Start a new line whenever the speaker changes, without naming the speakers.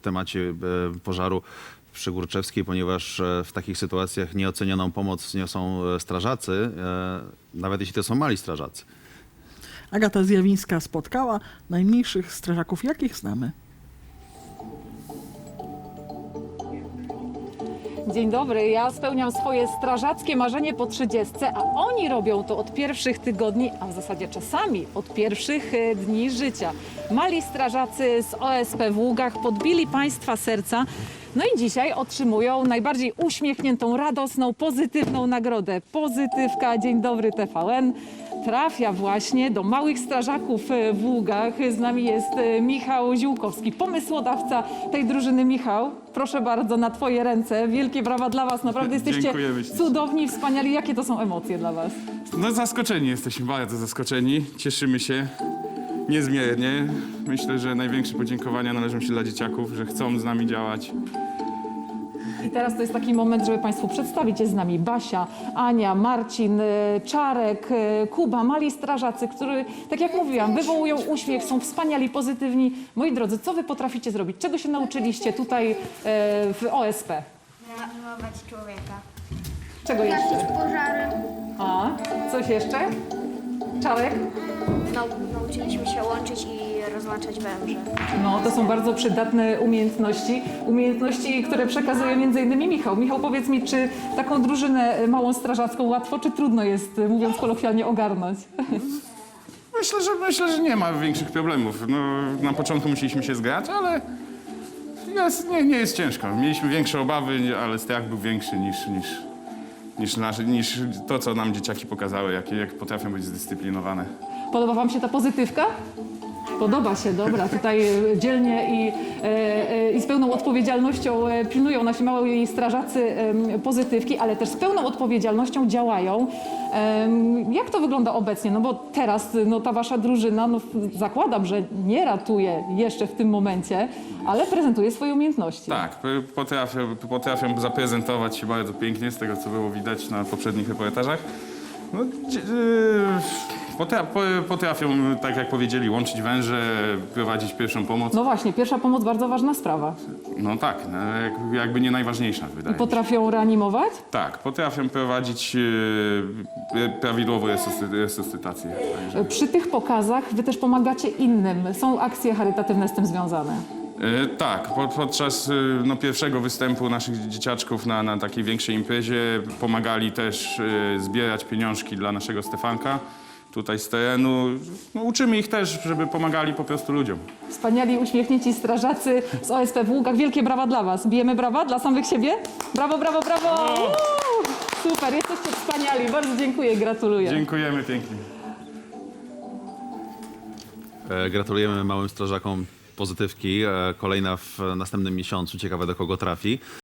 temacie pożaru przy Górczewskiej, ponieważ w takich sytuacjach nieocenioną pomoc niosą strażacy, nawet jeśli to są mali strażacy.
Agata Zjawińska spotkała najmniejszych strażaków, jakich znamy.
Dzień dobry, ja spełniam swoje strażackie marzenie po 30, a oni robią to od pierwszych tygodni, a w zasadzie czasami od pierwszych dni życia. Mali strażacy z OSP w Ługach podbili Państwa serca, no i dzisiaj otrzymują najbardziej uśmiechniętą, radosną, pozytywną nagrodę. Pozytywka, dzień dobry TVN. Trafia właśnie do małych strażaków w Ługach. Z nami jest Michał Ziółkowski, pomysłodawca tej drużyny. Michał, proszę bardzo, na Twoje ręce. Wielkie brawa dla Was. Naprawdę jesteście
Dziękujemy ślicznie.
cudowni, wspaniali. Jakie to są emocje dla Was?
No zaskoczeni jesteśmy, bardzo zaskoczeni. Cieszymy się niezmiernie. Myślę, że największe podziękowania należą się dla dzieciaków, że chcą z nami działać.
I teraz to jest taki moment, żeby Państwu przedstawić. Jest z nami Basia, Ania, Marcin, Czarek, Kuba, mali strażacy, którzy, tak jak mówiłam, wywołują uśmiech, są wspaniali, pozytywni. Moi drodzy, co Wy potraficie zrobić? Czego się nauczyliście tutaj w OSP?
Reanimować człowieka.
Czego jeszcze?
Gasić pożary.
A, coś jeszcze? Czarek?
Nauczyliśmy się łączyć i rozłączać węże.
No, to są bardzo przydatne umiejętności. Umiejętności, które przekazuje m.in. Michał. Michał, powiedz mi, czy taką drużynę małą strażacką łatwo czy trudno jest, mówiąc kolokwialnie, ogarnąć?
Myślę, że nie ma większych problemów. No, na początku musieliśmy się zgrać, ale nie jest ciężko. Mieliśmy większe obawy, ale strach był większy niż to, co nam dzieciaki pokazały, jak potrafią być zdyscyplinowane.
Podoba Wam się ta pozytywka? Podoba się, dobra. Tutaj dzielnie i z pełną odpowiedzialnością pilnują nasi mali strażacy pozytywki, ale też z pełną odpowiedzialnością działają. Jak to wygląda obecnie? No bo teraz ta Wasza drużyna, zakładam, że nie ratuje jeszcze w tym momencie, ale prezentuje swoje umiejętności.
Tak, potrafią zaprezentować się bardzo pięknie, z tego co było widać na poprzednich reportażach. No, potrafią, tak jak powiedzieli, łączyć węże, prowadzić pierwszą pomoc.
No właśnie, pierwsza pomoc, bardzo ważna sprawa.
No tak, no, jakby nie najważniejsza, wydaje mi się.
Potrafią reanimować?
Tak, potrafią prowadzić prawidłową resuscytację. Także.
Przy tych pokazach Wy też pomagacie innym. Są akcje charytatywne z tym związane.
Tak, podczas pierwszego występu naszych dzieciaczków na takiej większej imprezie pomagali też zbierać pieniążki dla naszego Stefanka tutaj z terenu. No, uczymy ich też, żeby pomagali po prostu ludziom.
Wspaniali, uśmiechnięci strażacy z OSP w Ługach. Wielkie brawa dla Was. Bijemy brawa dla samych siebie? Brawo, brawo, brawo! Super, jesteście wspaniali. Bardzo dziękuję i gratuluję.
Dziękujemy pięknie.
Gratulujemy małym strażakom pozytywki. Kolejna w następnym miesiącu. Ciekawe, do kogo trafi.